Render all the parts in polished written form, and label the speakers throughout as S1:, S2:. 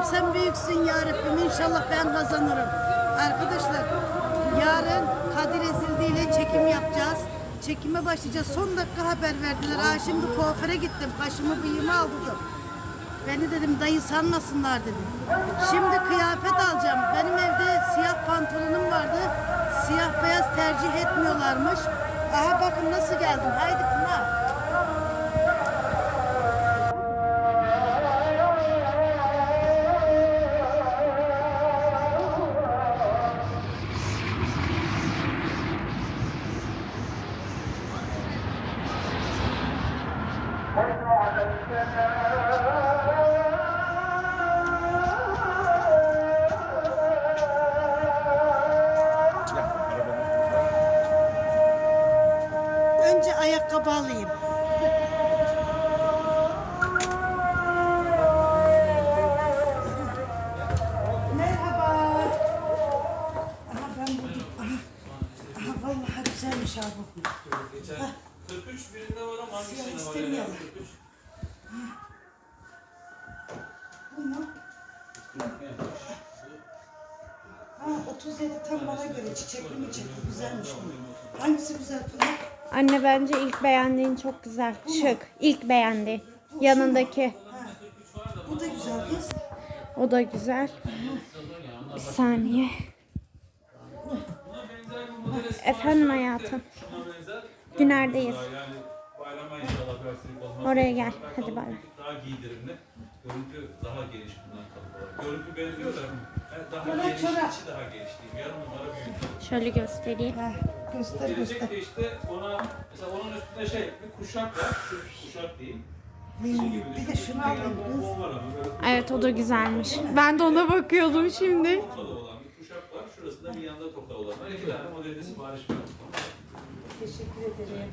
S1: sen büyüksün ya Rabbim. İnşallah ben kazanırım. Arkadaşlar yarın Kadir Ezildi ile çekim yapacağız. Çekime başlayacağız. Son dakika haber verdiler. Şimdi kuaföre gittim. Kaşımı bıyığımı aldırdım. Beni dedim dayı sanmasınlar dedim. Şimdi kıyafet alacağım. Benim evde siyah pantolonum vardı. Siyah beyaz tercih etmiyorlarmış. Aha bakın nasıl geldim. Haydi Pınar. Önce ayakkabı alayım. Merhaba. Aha ben buldum. Aha vallahi güzelmiş abi bu.
S2: Geçen 43 birinde var ama hangisinde var?
S1: İstemiyorum.
S2: 43.
S1: Bu mu? Ha 37 tam bana göre çiçekli mi çiçekli güzelmiş bu. Hangisi güzel Pınar?
S3: Anne bence ilk beğendiğin çok güzel. Şık. İlk beğendi. Yanındaki.
S1: Ha. Bu da güzel kız.
S3: O da güzel. Bir saniye. Efendim hayatım. Günlerdeyiz.
S2: Yani bayrama inşallah versinik olmaz.
S3: Oraya gel. Hadi bay.
S2: Daha giydirimli. Görüntü daha geniş bundan kalıp olarak. Görüntü benziyor da daha geniş, içi daha geniş diyeyim. Yarım numara büyük.
S3: Şöyle göstereyim.
S1: Ha, göster göster.
S2: Gelecek de işte ona, mesela onun üstünde bir kuşak var. Şu kuşak değil.
S1: Bir de şunu alayım kız.
S2: Bol var ama böyle
S3: Evet o da güzelmiş. Ben de ona bakıyordum şimdi.
S2: tokalı olan bir kuşak var. Şurasında bir yanda toka olan var. İki tane modelde sipariş var.
S1: Teşekkür ederim.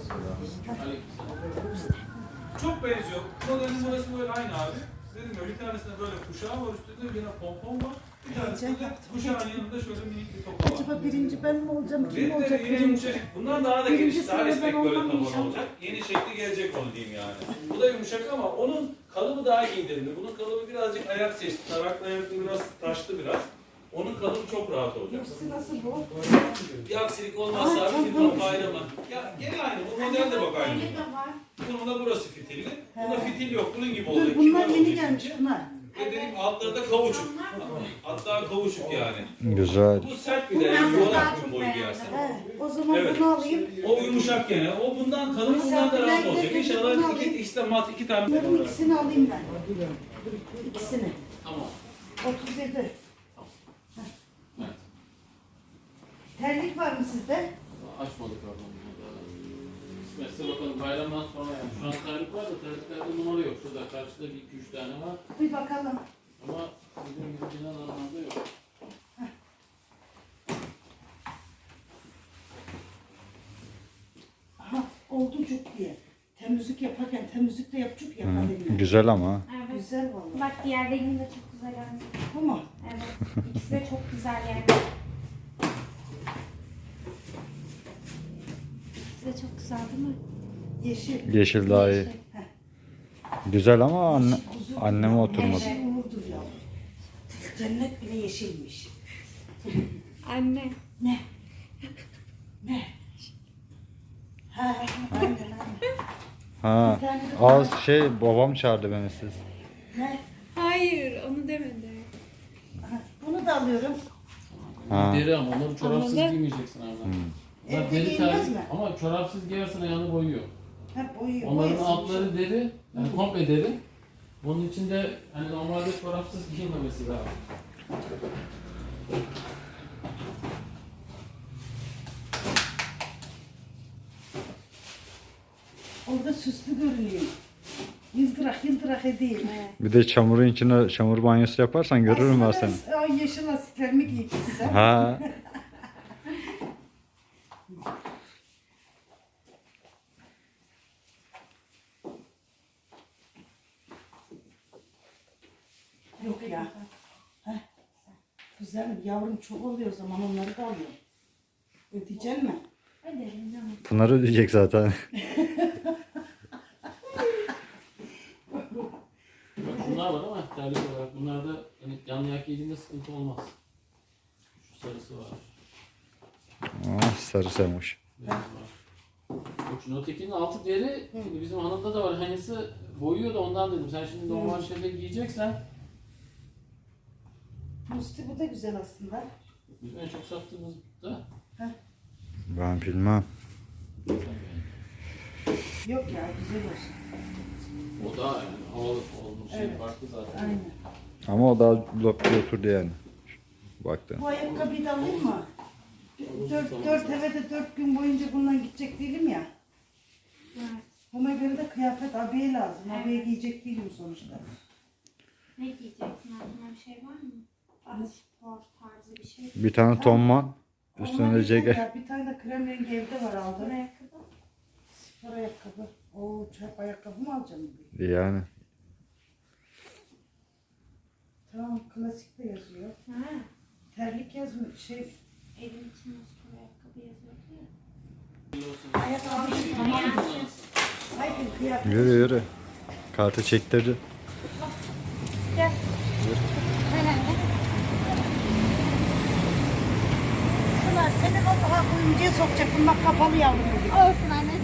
S2: Çok benziyor. Modelin burası böyle aynı abi. Dedim ya bir tanesinde böyle kuşağı var, üstünde yine pompon var. Bir tanesinde de kuşağın yanında şöyle minik bir toka var.
S1: Acaba birinci ben mi olacağım? Kim olacak
S2: Yine
S1: birinci?
S2: yumuşacık. Bundan daha da
S1: Birinci
S2: geniş, daha
S1: sırada
S2: esnek
S1: ben
S2: böyle
S1: olmam
S2: taban
S1: inşallah.
S2: olacak. Yeni şekli gelecek onu diyeyim yani. Bu da yumuşak ama onun kalıbı daha giydirimli. Bunun kalıbı birazcık ayak seçti. Taraklı ayaklı biraz taşlı biraz. Onun kalıbı çok rahat olacak.
S1: Hepsi nasıl bu?
S2: Bir aksilik olmazsa abi bir bayrama. Ya gene aynı. Bu model de bak aynı. Bunun da burası fitilli. Bunda fitil yok. Bunun gibi olacak.
S1: Dur bunlar
S2: Kibar
S1: yeni
S2: olacak.
S1: gelmiş bunlar.
S2: Ve dedim altları da kavuçuk. Hatta kavuçuk yani.
S4: Güzel.
S2: Bu sert bir de. Yuvarlak bir boy giyersen.
S1: He, o zaman
S2: Evet.
S1: bunu alayım.
S2: O yumuşak gene. O bundan kalın, bundan da rahat olacak. İnşallah ikisi de mat, iki tane.
S1: Bunların ikisini alayım ben. İkisini.
S2: Tamam.
S1: 37.
S2: Evet.
S1: Terlik var mı sizde?
S5: Açmadık oradan. Kısmetse bakalım bayramdan sonra yani. Şu an tarih var da tarihlerde numara yok. Şurada karşıda bir iki üç tane var.
S1: Bir bakalım.
S5: Ama bizim gibi binalarımızda yok.
S1: Aha oldu çok diye. Temizlik yaparken temizlik de yapacak ya. kalemle.
S4: Güzel ama.
S3: Evet.
S1: Güzel vallahi.
S3: Bak diğerlerinin de çok güzel yani.
S1: Bu mu?
S3: Evet. İkisi de çok güzel yani. İkisi de çok güzel değil mi?
S1: Yeşil.
S4: Yeşil daha iyi. Güzel ama anneme oturmadı.
S1: Yeşil uğurdur ya. Cennet bile yeşilmiş.
S3: Anne.
S1: Ne? Ne? Ha, aynen.
S4: Ha. Az babam çağırdı beni siz.
S1: Ne?
S3: Hayır onu demedi.
S1: Aha, bunu da alıyorum.
S4: Ha.
S5: Deri ama onları çorapsız
S3: Anladım.
S5: giymeyeceksin abi. Bunlar
S1: Evde
S5: deri
S1: giyilmez
S5: terlik
S1: mi?
S5: ama çorapsız giyersen ayağını boyuyor.
S1: Ha boyuyor.
S5: Onların
S1: boyasın.
S5: altları deri, yani komple deri. Bunun içinde hani normalde çorapsız giyilmemesi lazım.
S1: Orada süslü görünüyor. Yıldırak edeyim.
S4: Bir de çamurun içine çamur banyosu yaparsan görürüm ben seni.
S1: Ay yeşil lastiklerimi giymişsem.
S4: Ha.
S1: Yok ya. Heh. Güzelim yavrum çok oluyor o zaman onları da alıyorum. Ödeyecek mi?
S3: Öderim canım.
S4: Pınar ödeyecek zaten.
S5: Bunlar var ama terlik olarak. Bunlarda hani canlı yak yediğinde sıkıntı olmaz. Şu sarısı var.
S4: Ah, sarı sevmiş.
S5: Beyaz var. Yok şimdi ötekinin altı deri. Şimdi bizim hanımda da var. Aynısı boyuyor da ondan dedim. Sen şimdi normal şeyleri giyeceksen.
S1: Musti bu da güzel aslında.
S5: Bizim en çok sattığımız da.
S4: Ben bilmem.
S1: Yok ya güzel olsun.
S5: O da yani havalı olmuş şey farklı zaten.
S1: Aynen.
S4: Ama o daha lokta oturdu yani. Baktın.
S1: Bu ayakkabıyı da alayım mı? Dört eve de 4 gün boyunca bundan gidecek değilim ya.
S3: Evet.
S1: Buna göre de kıyafet abiye lazım. Abiye giyecek değilim sonuçta.
S3: Ne giyeceksin? Aklına bir şey var mı? Daha spor tarzı bir şey.
S4: Bir tane tonman. Üstüne
S1: Onlar
S4: de
S1: güzel
S4: ceket.
S1: ya. Bir tane de krem rengi evde var aldım.
S3: Ayakkabı.
S1: Spor ayakkabı. Oo çöp ayakkabı mı alacağım?
S4: Yani.
S1: Tamam klasik de yazıyor.
S3: Ha.
S1: Terlik yazmıyor. Şey
S3: Evin içinde spor ayakkabı yazıyordu ya.
S1: ayakkabı. Hayır kıyafet.
S4: Yürü yürü. Kartı çektirdi.
S3: Gel.
S1: Şunlar senin o daha kuyumcuya sokacak. Bunlar kapalı yavrum.
S3: Olsun anne.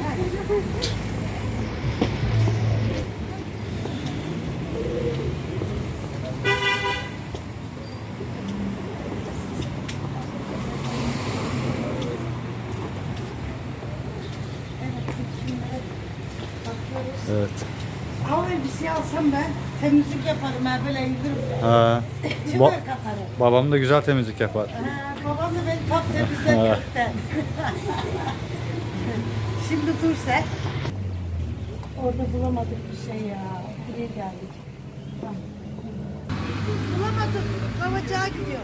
S4: Evet.
S1: Av elbise alsam ben temizlik yaparım ha böyle indiririm.
S4: Ha.
S1: Çıvar katarım.
S4: Babam da güzel temizlik yapar.
S1: Babam da beni tam temizler kökten. Şimdi dur sen. Orada bulamadık bir şey ya. Buraya geldik. Tamam. Bulamadık. Kavacağa gidiyor.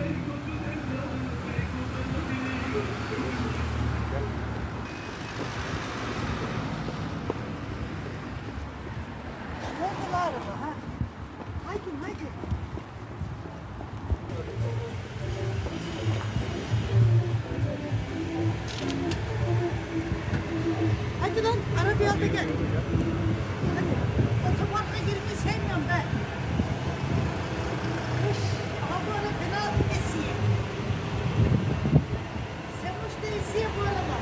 S1: Nerede la araba ha? Haydi haydi. Hadi lan arabaya al da gel. Hadi. Otoparka girmeyi sevmiyorum ben. Uş, ama bu arada fena esiye. Sen hoş da esiye bu arada.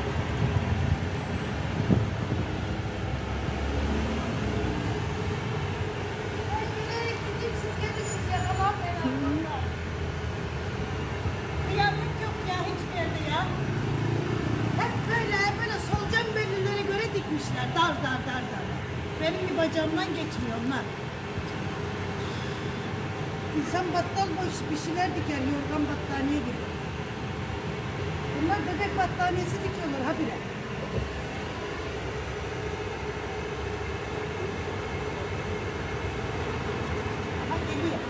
S1: Ben yürüyerek gideyim siz gelirsiniz yakalanmayın. Kıyamet yok ya hiçbir yerde ya. Hep böyle solucan belirlere göre dikmişler. Dar dar dar dar. Benim bir bacağımdan geçmiyor onlar. İnsan battal boş bir şeyler diker, yorgan battaniye gibi. Bunlar bebek battaniyesi dikiyorlar habire. Aha geliyor.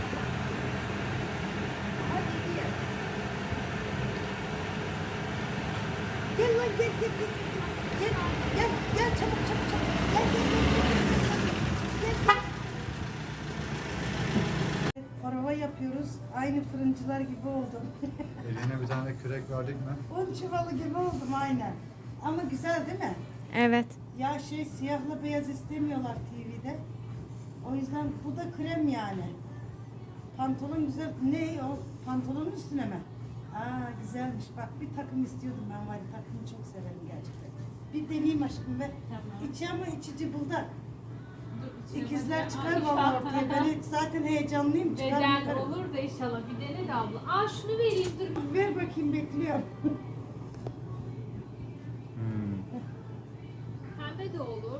S1: Aha geliyor. Gel lan gel gel gel. Gel gel gel çabuk çabuk çabuk. Gel gel gel. Gel gel. Prova yapıyoruz. Aynı fırıncılar gibi oldum.
S4: Eline bir tane kürek verdik mi?
S1: Un çuvalı gibi oldum aynen. Ama güzel değil mi?
S3: Evet.
S1: Ya şey siyahla beyaz istemiyorlar TV'de. O yüzden bu da krem yani. Pantolon güzel. Ne o? Pantolonun üstüne mi? Aa güzelmiş. Bak bir takım istiyordum ben var ya, takımı çok severim gerçekten. Bir deneyeyim aşkım ve içi ama içi cıbıldak. İkizler çıkar vallahi ortaya. Ben zaten heyecanlıyım. Çıkar
S6: Beden
S1: bakarım.
S6: olur da inşallah. Bir dene de abla. Aa şunu vereyim dur.
S1: Ver bakayım bekliyorum.
S6: Pembe de olur.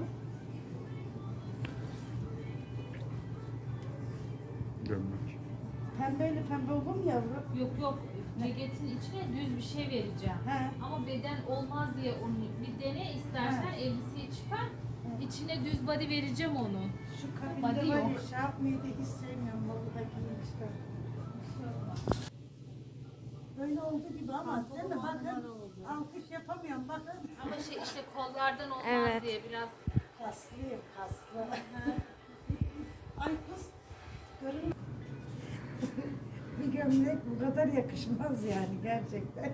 S4: Gömlek.
S1: Pembeyle pembe olur mu yavrum?
S6: Yok yok. Ceketin içine düz bir şey vereceğim.
S1: He.
S6: Ama beden olmaz diye onu bir dene istersen elbiseyi çıkar. İçine düz body vereceğim onu.
S1: Şu
S6: Body
S1: kabinde var ya
S6: yok.
S1: şey yapmayı da hiç sevmiyorum. Balıdakini işte. Böyle oldu gibi ama değil mi? Bakın alkış yapamıyorum bakın.
S6: Ama şey işte kollardan olmaz
S3: Evet.
S6: diye biraz.
S1: Kaslıyım kaslı. Ay kız görün. Bir gömlek bu kadar yakışmaz yani gerçekten.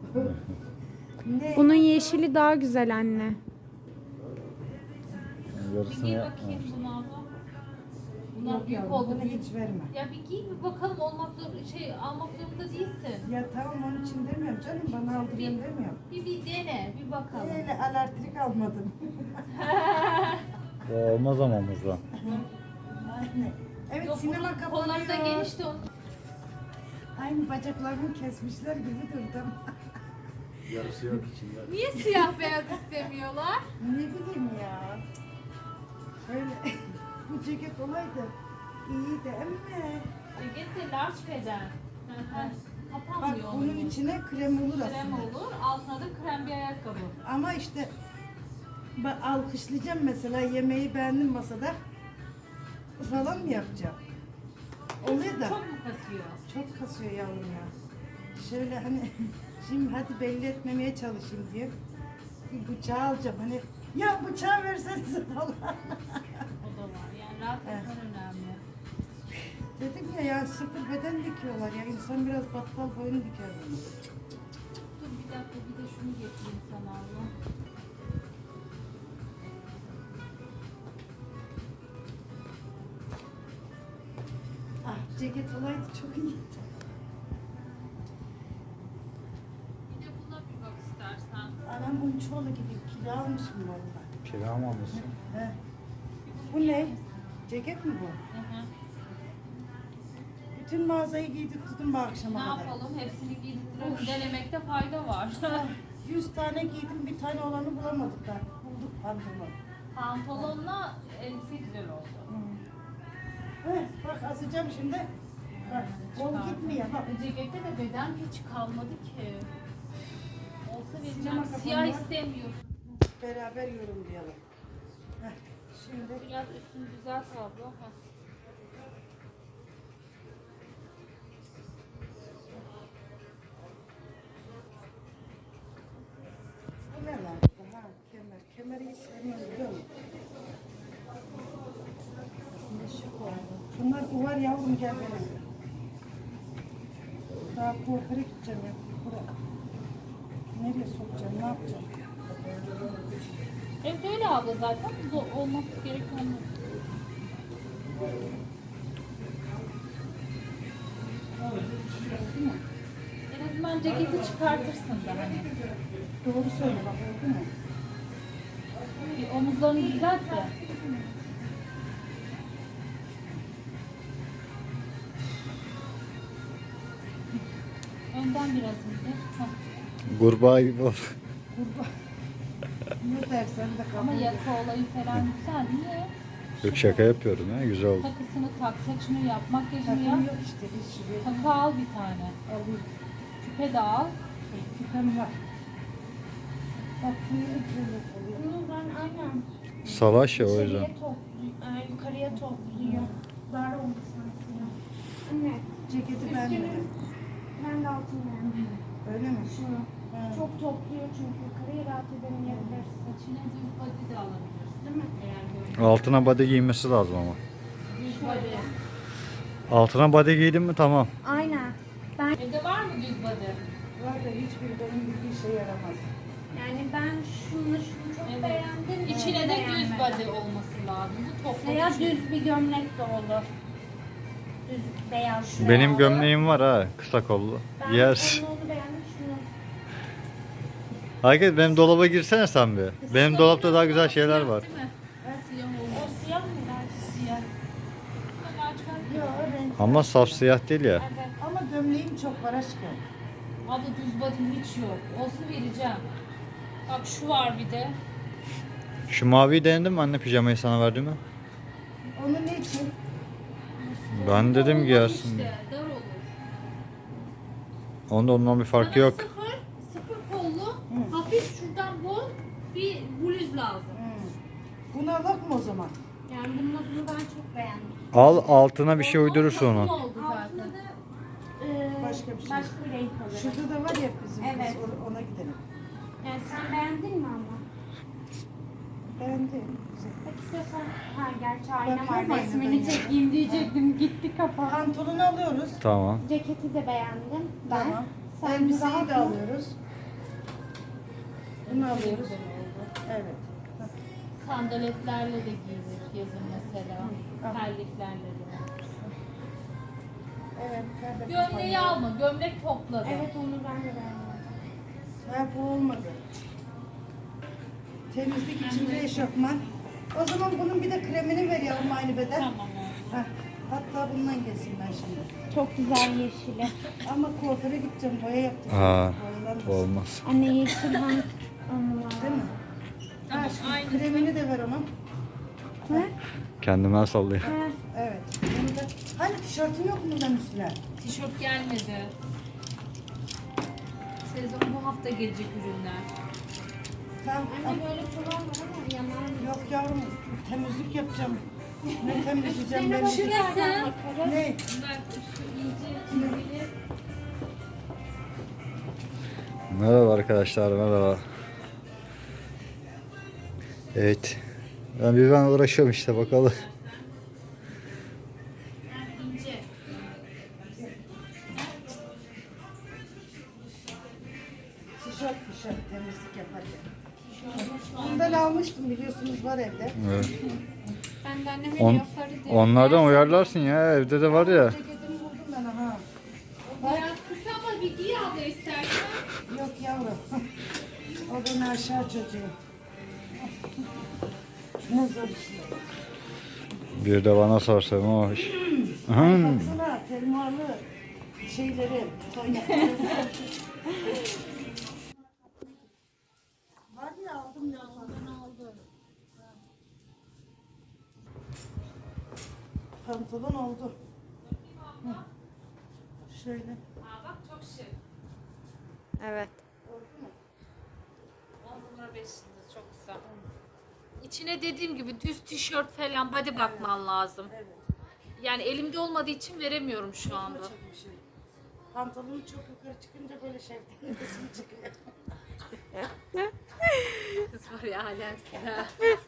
S1: Ne?
S3: Bunun yeşili daha güzel anne.
S6: Bir
S4: Yarısını
S6: giy
S4: yapmamış.
S6: bakayım bunu abla. Bunlar
S1: Yok
S6: büyük
S1: yavrum,
S6: oldu.
S1: bunu
S6: Büyük.
S1: hiç verme.
S6: Ya bir giy bir bakalım almak zorunda değilsin.
S1: Ya tamam onun için demiyorum canım, bana aldırıyorum demiyorum.
S6: Bir dene, bir bakalım.
S1: Öyle alartrik almadım.
S4: O olmaz ama omuzdan.
S1: Aynen. Evet,
S6: Yok,
S1: sinema
S6: bunun kolları da
S1: kapanıyor.
S6: geniş de
S1: Aynı bacaklarımı kesmişler gibi durdum.
S5: Yarısı yok içinde.
S6: Niye siyah beyaz istemiyorlar?
S1: Ne bileyim ya. Şöyle bu ceket olaydı iyiydi ama
S6: Ceket de large beden.
S1: bak
S6: Kapanmıyor
S1: bunun
S6: onun.
S1: içine krem olur
S6: Krem
S1: aslında.
S6: olur, altına da krem bir ayakkabı.
S1: Ama işte ben alkışlayacağım mesela, yemeği beğendim masada falan mı yapacağım? Oluyor da
S6: Çok mu kasıyor?
S1: çok kasıyor yavrum ya. Şöyle hani şimdi hadi belli etmemeye çalışayım diye bir bıçağı alacağım, hani ya bıçağı versenize falan.
S6: O da var. Yani rahat etmen önemli.
S1: Dedim ya sıfır beden dikiyorlar ya, insan biraz battal boynu diker bunu.
S6: Dur bir dakika, bir de şunu getireyim sana abla.
S1: Ah, ceket olaydı çok iyiydi.
S6: Bir de buna bir bak istersen.
S1: Anam bunun çoğulu gibi kilo almışım valla.
S4: Kira mı almışsın?
S1: He. Bu ne? Ceket mi bu?
S6: Hı hı.
S1: Bütün mağazayı giydirttim bu akşama
S6: Ne
S1: kadar.
S6: yapalım? Hepsini giydirtirelim. Denemekte fayda var.
S1: 100 tane giydim, bir tane olanı bulamadık da. Bulduk pantolon.
S6: Pantolonla elbise güzel oldu.
S1: Heh, bak asacağım şimdi. Bak, kol gitmiyor bak.
S6: Bu cekette de beden hiç kalmadı ki. Olsa vereceğim.
S1: Sinema
S6: Siyah
S1: kapanma.
S6: istemiyorum.
S1: Beraber yorumlayalım. Heh, şimdi
S6: Biraz üstünü düzelt abla. Heh.
S1: bu ne lan? Ha, kemer. Kemeri hiç sevmiyorum biliyor musun? Aslında şık oldu. Bunlar uvar yavrum, gel benim. Daha kuaföre gideceğim ya. Buraya. Nereye sokacağım, ne yapacağım?
S6: Evet öyle abla zaten. Bu olması gereken bu. En azından ceketi çıkartırsın da hani.
S1: Doğru söyle bak, oldu mu?
S6: Bir omuzlarını düzelt de. Önden biraz indir. Heh.
S4: Kurbağa gibi ol.
S1: Ne dersen de kabul
S6: Ama
S1: et.
S6: yaka olayı falan güzel. Niye?
S4: Yok şaka yapıyorum ya, güzel oldu.
S6: Takısını tak, saçını yap, makyajını yap.
S1: Takım yok işte, hiç şuraya
S6: Takı al bir tane.
S1: alayım.
S6: Küpe de al.
S1: Küpem var. Bak kuyruğu oluyor.
S7: Bunu ben aynen
S4: Salaş ya o yüzden.
S7: yukarıya topluyor. Yukarıya topluyor. Dar oldu sanki. Anne,
S1: Ceketi beğenmedim.
S7: ben de altını beğendim.
S1: Öyle mi?
S7: Şunu.
S1: Ha.
S7: Çok topluyor çünkü yukarıya rahat edemeyebilirsin.
S6: Saçına düz body de alabilirsin.
S7: Değil mi?
S6: Eğer böyle
S4: Altına body giymesi lazım ama.
S6: düz body.
S4: Altına body giydin mi tamam.
S7: Aynen.
S6: Evde var mı düz body?
S1: Var da hiçbir benim bildiği işe yaramaz.
S7: Yani ben şunu çok
S6: Evet.
S7: beğendim.
S6: İçine de düz
S7: beğenmedim.
S6: body olması lazım. Bu toplu.
S7: Veya düz bir gömlek de olur. Düz beyaz.
S4: Benim gömleğim var ha, kısa kollu.
S7: Ben
S4: Giyersin.
S7: onu beğendim şunu.
S4: Herkes benim dolaba girsene sen bir. Benim dolapta daha güzel şeyler var.
S6: Değil mi? Siyah olur.
S7: O siyah mı?
S6: Siyah. Hemen çıkar.
S1: Yok renk.
S4: Ama saf siyah değil ya.
S7: Evet.
S1: Ama gömleğim çok var aşkım.
S6: Abla düz body'm hiç yok. Olsa vereceğim. Bak şu var bir de.
S4: Şu maviyi denedin mi anne, pijamayı sana verdim mi?
S1: Onu ne için?
S4: Ben dedim
S6: Olmaz
S4: giyersin
S6: işte,
S4: diye.
S6: dar olur.
S4: Onda ondan bir farkı
S6: Sana
S4: yok.
S6: sıfır kollu, hafif şuradan bol bir bluz lazım.
S1: Bunu alak mı o zaman?
S7: Yani bunu ben çok beğendim.
S4: Al, altına bir şey uydurursun
S6: Takım
S4: onu.
S6: oldu zaten.
S7: Altında da
S1: Başka bir şey.
S7: başka bir renk alırım.
S1: Şurada da var ya bizim
S7: Evet.
S1: kız, ona gidelim.
S7: Yani sen beğendin mi ama?
S1: Beğendim. Güzel.
S7: Bak istiyorsan, ha gerçi ayna
S1: Bakıyorum
S7: var,
S1: aynadan
S7: resmini
S1: ya.
S7: çekeyim diyecektim, gitti kafa.
S1: Pantolonu alıyoruz.
S4: Tamam.
S7: Ceketi de beğendim ben.
S1: Tamam.
S7: Sen
S1: Elbiseyi
S7: rahat
S1: de
S7: mı?
S1: alıyoruz. Bunu alıyoruz. Evet.
S6: Sandaletlerle de giyilir yazın mesela. Terliklerle de.
S1: Evet.
S6: Gömleği alma. Gömlek topladı.
S7: Evet onu ben de beğendim.
S1: Ha, bu olmadı. Temizlik içinde eşofman. O zaman bunun bir de kremini verelim aynı beden.
S6: Tamam.
S1: Heh, hatta bundan gelsin ben şimdi.
S7: Çok güzel yeşili.
S1: Ama kuaföre gideceğim, boya yaptım.
S4: Aa,
S1: Boyalanmasın.
S4: olmaz.
S7: Anne yeşil hangi anı var?
S1: Değil mi? Ha, şu kremini de ver ona.
S7: Ne?
S4: Kendimden sallayayım.
S7: Ha,
S1: Evet. Bunu da... Hani tişörtün yok mu bundan üstüne?
S6: Tişört gelmedi. Sezon bu hafta gelecek ürünler.
S1: Tamam.
S7: anne böyle çuval var ama yanar mı?
S1: Yok yavrum, temizlik yapacağım. Ne temizleyeceğim ben?
S6: Şurası.
S1: Ne?
S6: Bak şu ince çizgili.
S4: Merhaba arkadaşlar, merhaba. Evet. Ben uğraşıyorum işte, bakalım.
S6: İnce.
S1: Tişört temizlik yaparken. Bundan almıştım biliyorsunuz, var evde.
S4: Evet.
S7: Ben de anneme
S4: On,
S7: yaparı diye.
S4: onlardan uyarlarsın ya, evde de var ya.
S1: Ceketimi buldum ben ha.
S6: Biraz kısa ama bir giy abla istersen.
S1: Yok yavrum. O beni aşağı çocuğu. Ne zor işte.
S4: Bir de bana sorsam o iş. Ahem.
S1: Baksana fermuarlı şeyleri, toynakları. Var ya, aldım ya. Aldım. Pantolon oldu. Hı. Şöyle.
S6: Aa bak çok şık.
S3: Evet.
S6: 10 numara 5 yıldız çok güzel. İçine dediğim gibi düz tişört falan body bakman lazım.
S1: Evet.
S6: Yani elimde olmadığı için veremiyorum şu anda.
S1: Çok bir şey. Pantolonu çok yukarı çıkınca böyle şevkli resim çıkıyor.
S6: Kız var ya alemsin ha.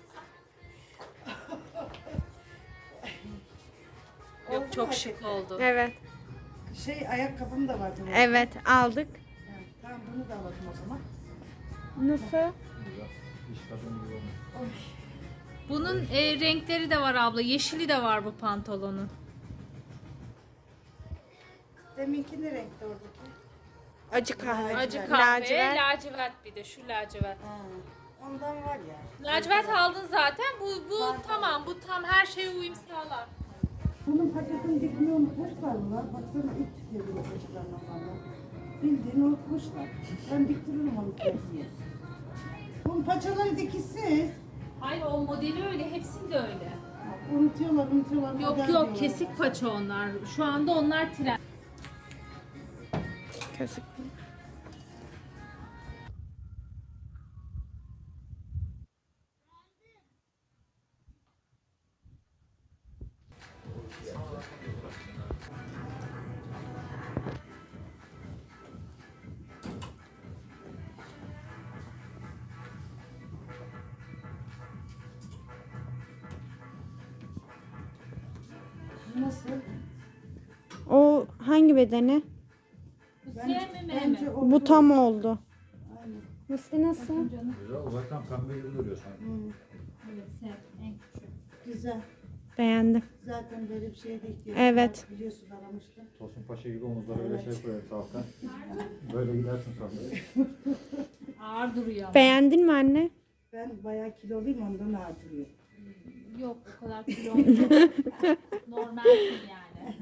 S6: Yok çok şık oldu.
S3: Evet.
S1: Şey, ayakkabım da vardı.
S3: Evet aldık.
S1: Yani, tamam, bunu da alalım o zaman.
S3: Nasıl?
S6: Bunun renkleri de var abla. Yeşili de var bu pantolonun.
S1: Deminki ne renkti oradaki?
S3: Acı kahve.
S6: Acı kahve,
S3: Lacivert.
S6: lacivert bir de şu lacivert.
S1: Ha, ondan var ya.
S6: Lacivert aldın zaten. Bu tamam. Bu tam her şeye uyum sağlar.
S1: Bunun paçasını dikmeyi unutmuşlar mı lan? Baksana ilk çıkıyor bu paçalarından bana. Bildiğini unutmuşlar. Ben diktiririm onu tersiye. Bunun paçaları dikişsiz.
S6: Hayır o modeli öyle. Hepsinde öyle.
S1: Unutuyorlar.
S6: Yok
S1: model
S6: yok
S1: diyorlar.
S6: kesik paça onlar. Şu anda onlar trend.
S3: Kesik.
S1: Nasıl?
S3: O hangi bedeni?
S6: Bu sevmeme mi?
S1: Bence o
S3: Bu tam oldu.
S1: Aynen.
S3: Nasıl nasıl?
S4: Zaten pembe gibi duruyor sanki.
S6: Evet sev. En küçük.
S1: Güzel.
S3: Beğendim.
S1: Zaten böyle bir şeye de ihtiyaç
S3: Evet.
S1: var. Biliyorsun, aramıştım.
S4: Tosun Paşa gibi omuzlara öyle şey koyuyor sağlıktan. Böyle gidersin sonra.
S6: Ağır duruyor ama.
S3: Beğendin mi anne?
S1: Ben bayağı kiloluyum, ondan ağır duruyor.
S6: Yok o kadar kilo olmuyor. Normalsin yani.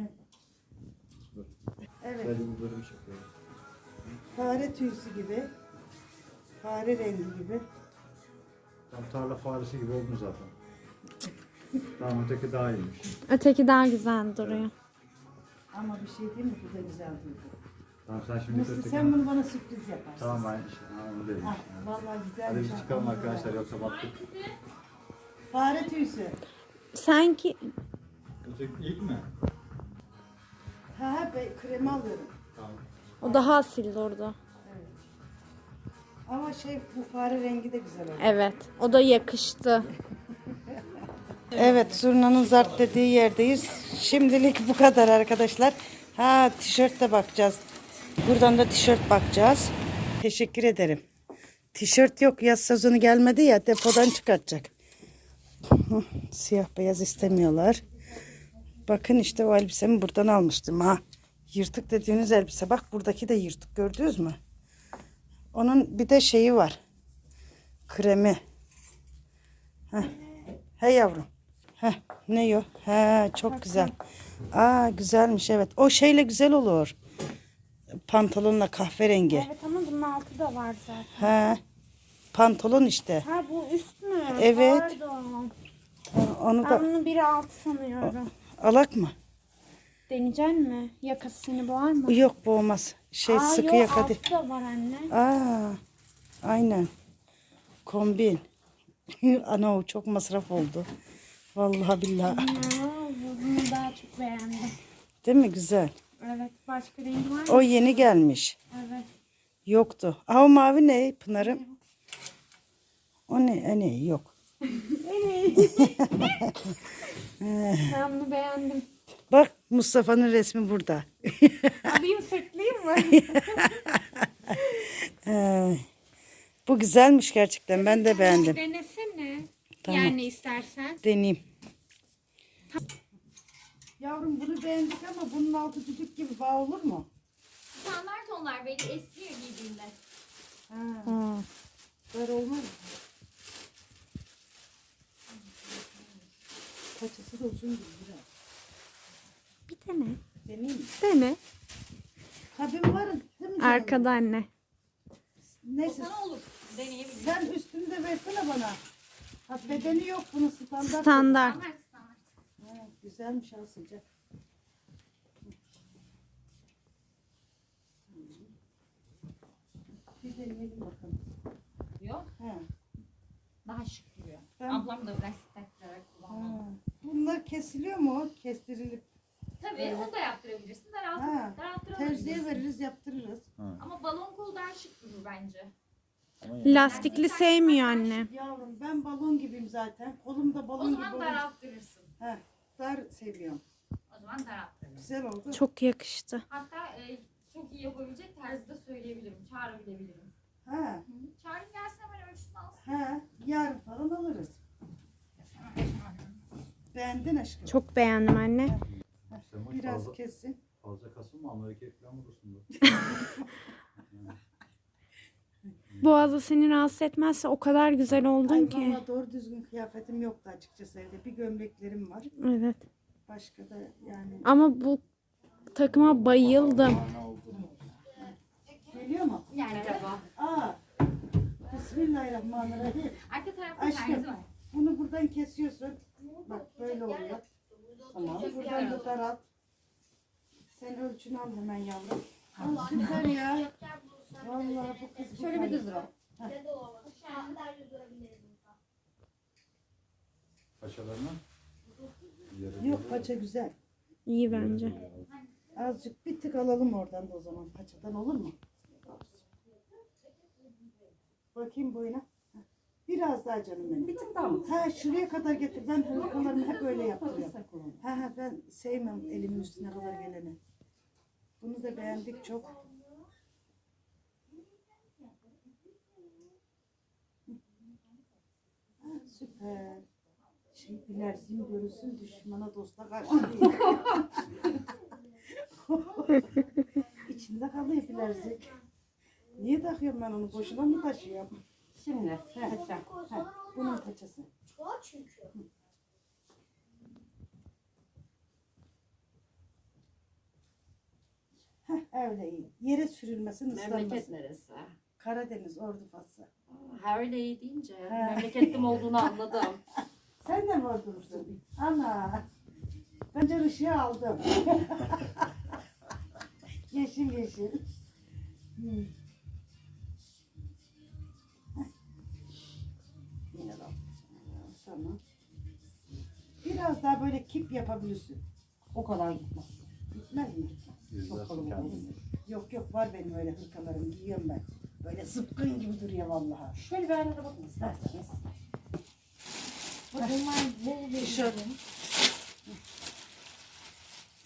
S1: Evet.
S4: Böyle bir şey koyuyor.
S1: Fare tüysü gibi. Fare rengi gibi.
S4: Tam tarla faresi gibi oldun zaten. Tamam, öteki daha iyiymiş.
S3: Öteki daha güzel duruyor.
S1: Ama bir şey değil mi? Bu da güzel durdu.
S4: Tamam, sen şimdi
S1: Nasıl,
S4: öteki...
S1: sen bunu bana sürpriz yaparsın.
S4: Tamam, ben işte onu dedim
S1: Ah,
S4: işte.
S1: vallahi güzel.
S4: Hadi biz çıkalım arkadaşlar, yoksa battık.
S1: Fare tüysü.
S3: Sanki
S4: Öteki ilk mi?
S1: Ha, ben kremi alıyorum.
S4: Tamam.
S3: o daha asil durdu.
S1: Ama şey, bu fare rengi de güzel oldu.
S3: Evet. O da yakıştı.
S1: Evet, Zurna'nın zart dediği yerdeyiz. Şimdilik bu kadar arkadaşlar. Ha, tişört de bakacağız. Buradan da tişört bakacağız. Teşekkür ederim. Tişört yok, yaz sezonu gelmedi ya, depodan çıkartacak. Siyah beyaz istemiyorlar. Bakın işte o elbisemi buradan almıştım ha. Yırtık dediğiniz elbise. Bak buradaki de yırtık, gördünüz mü? Onun bir de şeyi var. Kremi. Heh. He yavrum. Heh. Ne o? He, çok güzel. Aa, güzelmiş evet. O şeyle güzel olur. Pantolonla kahverengi.
S7: Evet ama bunun altı da var zaten.
S1: He. Pantolon işte.
S7: Ha bu üst mü?
S1: Evet.
S7: Pardon.
S1: Onu
S7: Ben
S1: da
S7: bunu biri altı sanıyorum.
S1: alak mı?
S7: Deneyecek mi? Yakası seni boğar mı?
S1: Yok, boğmaz. Şey, sıkı
S7: yok,
S1: yaka
S7: altı
S1: değil.
S7: da var anne.
S1: Aa, aynen. Kombin. Ana, o çok masraf oldu. Vallahi billahi.
S7: Bunu daha çok beğendim.
S1: Değil mi? Güzel.
S7: Evet. Başka rengi var mı?
S1: O yeni gelmiş.
S7: Evet.
S1: Yoktu. Aa, o mavi ne Pınar'ım? O ne? Ne? Yok.
S7: Ben bunu beğendim.
S1: Bak, Mustafa'nın resmi burada.
S7: Alayım sırtlayayım mı?
S1: Bu güzelmiş gerçekten. Ben de beğendim.
S7: Denesene.
S1: Tamam.
S7: Yani istersen.
S1: Deneyeyim. Yavrum, bunu beğendik ama bunun altı düdük gibi bağ olur mu?
S6: Standart onlar belli esniyor giydiğinde.
S1: Ha. Böyle olmaz mı? Paçası da uzun gibi biraz.
S7: Bir dene.
S1: Deneyeyim mi?
S7: Dene.
S1: Tabii var değil mi canım?
S7: Arkada anne.
S1: Neyse,
S6: Sana olur. Deneyebilirsin.
S1: sen üstünü de versene bana. Ha, bedeni yok bunun, standart.
S7: Standart.
S6: Standart standart.
S1: Ha, güzelmiş, ha, sıcak. Bir deneyelim bakalım.
S6: Yok.
S1: Ha.
S6: Daha şık duruyor.
S1: Ben-
S6: Ablam da biraz taktırarak kullanmalı.
S1: Ha. Bunlar kesiliyor mu? Kestirilip.
S6: Tabii onu da yaptırabilirsin.
S1: Ha.
S6: Daralttırabilirsin.
S1: Terziye veririz, yaptırırız.
S6: Ama balon kol daha şık durur bence.
S7: Lastikli sevmiyor anne.
S1: Yavrum, ben balon gibiyim zaten. Kolum da
S6: O
S1: balon gibi
S6: zaman
S1: olur.
S6: daralttırırsın.
S1: Ha, dar seviyorum.
S6: O zaman daralttırırsın.
S1: Güzel oldu.
S7: Çok yakıştı.
S6: Hatta çok iyi yapabilecek tarzı da söyleyebilirim. Çağırabilirim.
S1: Ha,
S6: Çağırın gelsin hemen ölçüsünü alsın.
S1: ha, yarın falan alırız. Beğendin aşkım.
S7: Çok beğendim anne.
S4: Sema
S1: Biraz
S4: fazla,
S1: kesin.
S4: fazla kasılma, Amerika'ya falan vurursun.
S7: Boğazı seni rahatsız etmezse o kadar güzel oldun
S1: Ay
S7: ki.
S1: valla doğru düzgün kıyafetim yoktu açıkçası evde. Bir gömleklerim var.
S7: Evet.
S1: Başka da yani.
S7: Ama bu takıma bayıldım.
S1: Geliyor mu?
S6: Merhaba.
S1: Aa. Bismillahirrahmanirrahim.
S6: Arka tarafta
S1: Aşkım.
S6: terzi var.
S1: Bunu buradan kesiyorsun. Bak böyle oluyor. Tamam. Buradan da daralt. Sen ölçünü al hemen yavrum. Aa, süper ya. Vallahi bu kız şöyle bir düz dur.
S4: Paçalarına.
S1: Yok, paça güzel.
S7: İyi bence.
S1: Azıcık bir tık alalım oradan da o zaman. Paçadan olur mu? Bakayım boyuna. Heh. Biraz daha canım benim. Bir tık daha mı? Ha, şuraya kadar getir. Ben hırkalarımı hep öyle yaptırıyorum. Ha, ben sevmem elimin üstüne kadar geleni. Bunu da beğendik çok. Ha, süper. Şey, bilerzim görürsün, düşmana dosta karşı değil. İçinde kalıyor bilerzik. Niye takıyorum ben onu? Boşuna mı taşıyorum? Şimdi paça. Ha, bunun paçası. Heh, öyle iyi. Yere sürülmesin,
S8: Memleket
S1: ıslanmasın.
S8: neresi?
S1: Karadeniz, Ordufası.
S8: Ha öyle iyi deyince
S1: Ha.
S8: memleketim olduğunu anladım.
S1: Sen de mi Ordulusun? Ana. Bence ışığı aldım. Yeşil yeşil. Yine de tamam. Biraz daha böyle kip yapabilirsin.
S8: O kadar gitmez.
S1: Gitmez mi?
S4: Yüzlersin kendini.
S1: Yok yok, var benim öyle hırkalarım, giyiyorum ben. Böyle zıpkın gibi duruyor vallahi.
S8: Şöyle bir aynalara bakın isterseniz.
S1: Tişört.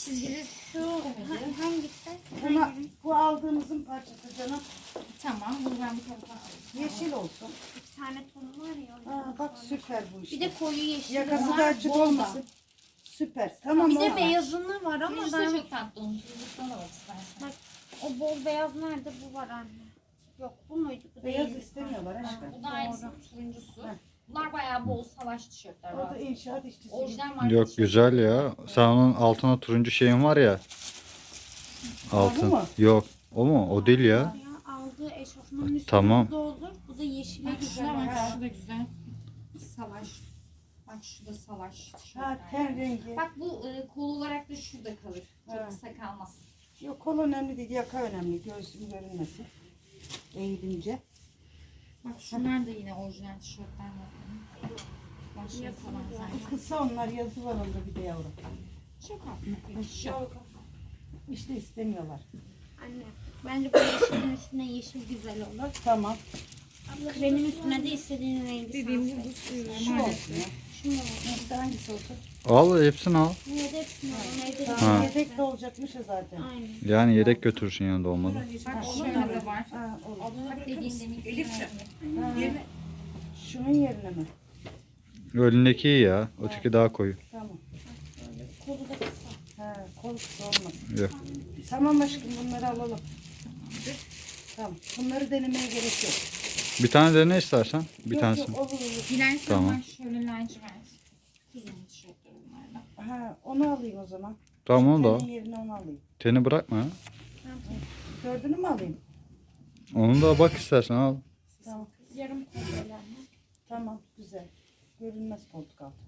S3: Çizgili su hangisi?
S1: Bu aldığımızın parçası canım.
S6: Tamam. Bunu ben bu tarafa alayım.
S1: Yeşil olsun.
S3: Bir tane tonu var ya.
S1: Aa, bak süper bu işte.
S3: Bir de koyu yeşil
S1: Yakası
S3: var.
S1: da açık olmasın. Süper. Tamam
S3: Bir de
S1: oldu.
S3: beyazını var ama
S6: Turuncusu
S3: ben...
S6: da çok tatlı. Onun turuncusundan da bak istersen.
S3: O bol beyaz nerede? Bu var anne. Yok bu muydu? Bu
S1: Beyaz
S3: değil.
S1: istemiyorlar aşkım.
S6: Bu da aynısının turuncusu. Bunlar bayağı bol savaş tişörtler.
S1: O da inşaat işçisi.
S6: Orijinal marka
S4: Yok
S6: tişört.
S4: güzel ya. Sen onun altına turuncu şeyin var ya. Altın.
S1: mu?
S4: Yok. O mu? O değil ya.
S3: Ya aldığı eşofmanın üstünde
S4: Tamam.
S3: bu da olur. Bu da yeşile
S6: Bak
S3: güzel.
S6: şuna bak, şu da güzel. Savaş. Bak şu da savaş
S1: Ha
S6: tişörtler.
S1: ten rengi.
S6: Bak bu kol olarak da şurada kalır. Çok
S1: Ha.
S6: kısa kalmaz.
S1: Yok kol önemli değil. Yaka önemli. Göğsüm görünmesin. Eğilince.
S6: Bak şunlar da yine orijinal tişörtler var. Başlığı falan zaten.
S1: Kısa onlar. Yazı var onda bir de yavrum.
S6: Çok hafif bir tişört.
S1: İşte istemiyorlar.
S3: Anne bence bu yeşilin üstüne yeşil güzel olur.
S1: Tamam.
S3: Kremin üstüne de istediğin rengi sen seç.
S1: Şu olsun ya.
S3: Şunu
S1: İşte hangisi olsun?
S4: Al hepsini al.
S3: Niye de hepsini alalım evde de.
S1: Tamam.
S4: Ha.
S1: Yedek de olacakmış ya zaten.
S3: Aynen.
S4: Yani yedek götürürsün yanında olmadı.
S6: Bak şöyle de var.
S1: Ha, olur.
S6: Bak dediğin demin.
S1: Ha. Şunun yerine mi?
S4: Önündeki iyi ya. Öteki daha koyu.
S1: Tamam.
S3: Kolu da kısa.
S1: Ha, kol kısa olmasın.
S4: Yok.
S1: Tamam aşkım bunları alalım. Tamam. Bunları denemeye gerek yok.
S4: Bir tane dene istersen. Bir
S1: Yok,
S4: tanesini.
S1: yok, olur olur.
S6: Dilersen
S4: Tamam.
S6: var şöyle lacivert. Kuzun tişörtleri bunlardan.
S1: Ha, onu alayım o zaman.
S4: Tamam onu da al.
S1: Senin yerine onu alayım.
S4: Teni bırakma ya.
S1: Dördünü mü alayım?
S4: Onu da bak istersen al.
S1: Tamam.
S3: Yarım kol böyle anne.
S1: Tamam. Güzel. Görünmez koltuk altı.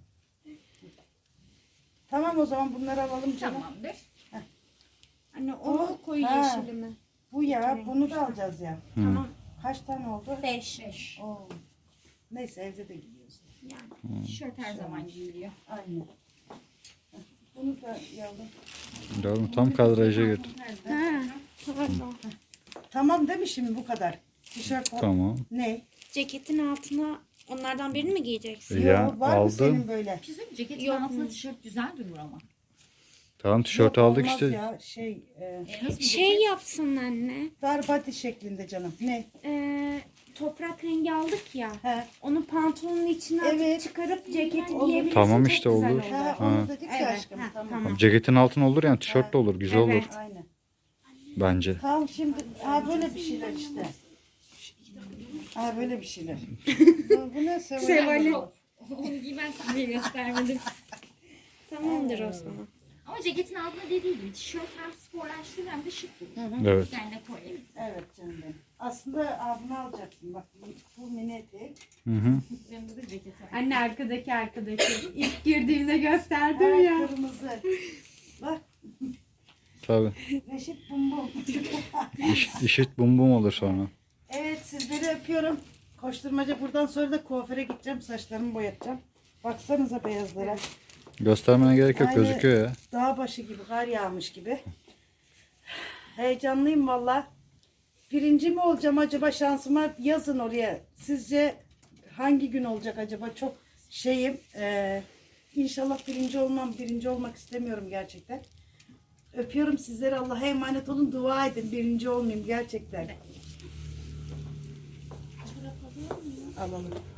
S1: Tamam o zaman bunları alalım canım.
S6: Tamamdır.
S3: Anne o koyu
S1: Ha.
S3: yeşili mi?
S1: Bu ya. Bunu da alacağız ya.
S3: Tamam.
S1: Kaç tane oldu?
S3: 5.
S1: Oo. Neyse evde de giyiyoruz.
S3: Yani.
S6: Tişört her zaman giyiliyor.
S1: Aynen. Bunu da yavrum.
S4: Yavrum tam kadraja götür.
S3: Ha. Pardon.
S1: Tamam değil mi şimdi bu kadar? Tişört
S4: Tamam.
S1: ne?
S3: Ceketin altına onlardan birini mi giyeceksin?
S4: Ya
S1: Yo, var mı senin
S4: aldım.
S1: böyle?
S6: Bir şey söyleyeyim mi? Ceketin
S3: Yok
S6: altında
S3: mu?
S6: tişört güzel durur ama.
S4: Tamam tişörtü
S1: Yok,
S4: aldık
S1: olmaz
S4: işte.
S1: Ya,
S6: Nasıl bir
S3: Şey
S6: ceket?
S3: yapsın anne.
S1: dar body şeklinde canım. Ne?
S3: Toprak rengi aldık ya.
S1: He.
S3: Onu pantolonun içine
S1: Evet.
S3: atıp çıkarıp ceketi
S1: Olur.
S3: giyebilirsin.
S4: Tamam
S3: çok
S4: işte
S3: güzel
S4: olur.
S1: Ha,
S4: Ha.
S1: onu dedik ya
S3: Evet,
S1: aşkım.
S3: ha,
S1: Tamam.
S3: tamam.
S4: Ceketin altın olur yani tişört de olur. Güzel olur
S3: Evet.
S1: Aynen.
S4: bence.
S1: Tamam şimdi böyle bir şeyler işte. Böyle bir şeyler. bu ne Seval'in?
S6: Onu giymen sana diye göstermedim.
S3: Tamamdır o zaman.
S6: Ama ceketin altında dediği gibi tişört hem sporlaştırır hem de şık durur.
S4: Evet.
S6: Yani koyayım.
S1: Evet canım benim. Aslında bunu alacaksın. Bak bu mini etek.
S4: Hı hı.
S6: Üzerinde de ceket var.
S3: Anne arkadaki. İlk girdiğimde gösterdim
S1: Ha,
S3: ya.
S1: kırmızı. Bak
S4: Tabii.
S1: Reşit bum bum.
S4: İşit bum bum olur sonra.
S1: Evet sizleri öpüyorum. Koşturmaca buradan sonra da kuaföre gideceğim. Saçlarımı boyatacağım. Baksanıza beyazlara.
S4: Göstermene gerek yok,
S1: Aynı
S4: gözüküyor ya.
S1: Dağ başı gibi, kar yağmış gibi. Heyecanlıyım valla. Birinci mi olacağım acaba, şansıma yazın oraya. Sizce hangi gün olacak acaba? Çok şeyim. İnşallah birinci olmam. Birinci olmak istemiyorum gerçekten. Öpüyorum sizleri. Allah'a emanet olun. Dua edin. Birinci olmayayım gerçekten. Alalım.